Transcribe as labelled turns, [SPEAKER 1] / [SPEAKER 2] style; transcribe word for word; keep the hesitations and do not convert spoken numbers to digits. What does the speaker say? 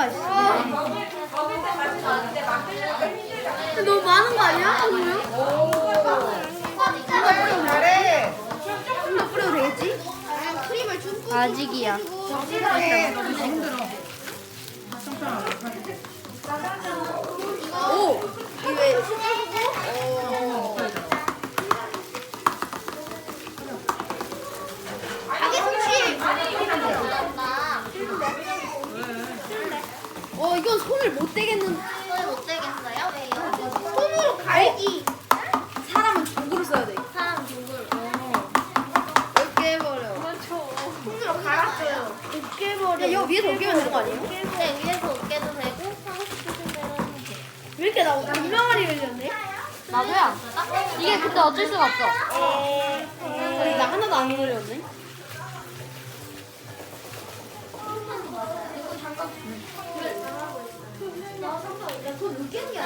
[SPEAKER 1] 거야. 씨. 너무 많은 거 아니야? 그러면?
[SPEAKER 2] 잘해.
[SPEAKER 1] 좀 더 뿌려도 되겠지? 크림을 좀
[SPEAKER 3] 아직이야.
[SPEAKER 2] 잘해. 너무 힘들어.
[SPEAKER 1] 오! 이게 어. 자기 손치. 어, 이건 손을 못 대겠는.
[SPEAKER 3] 손을 못 대겠어요? 왜요?
[SPEAKER 1] 손으로 갈기. 사람은 도구를 써야 돼.
[SPEAKER 3] 사람 누굴?
[SPEAKER 1] 이렇게 해버려. 손으로 갈았어요. 이렇게 해버려. 야, 여 위에서 으깨면 되는 거 아니에요?
[SPEAKER 3] 네, 위에서 으깨도 되고 하고 싶으신 대로 하면 돼.
[SPEAKER 1] 왜 이렇게 나 분명하게 흘렸네?
[SPEAKER 3] 나도야. 이게 그때 어쩔 수가 없어.
[SPEAKER 1] 아니, 나 하나도 안 흘렸네.
[SPEAKER 3] 손 으깨는 게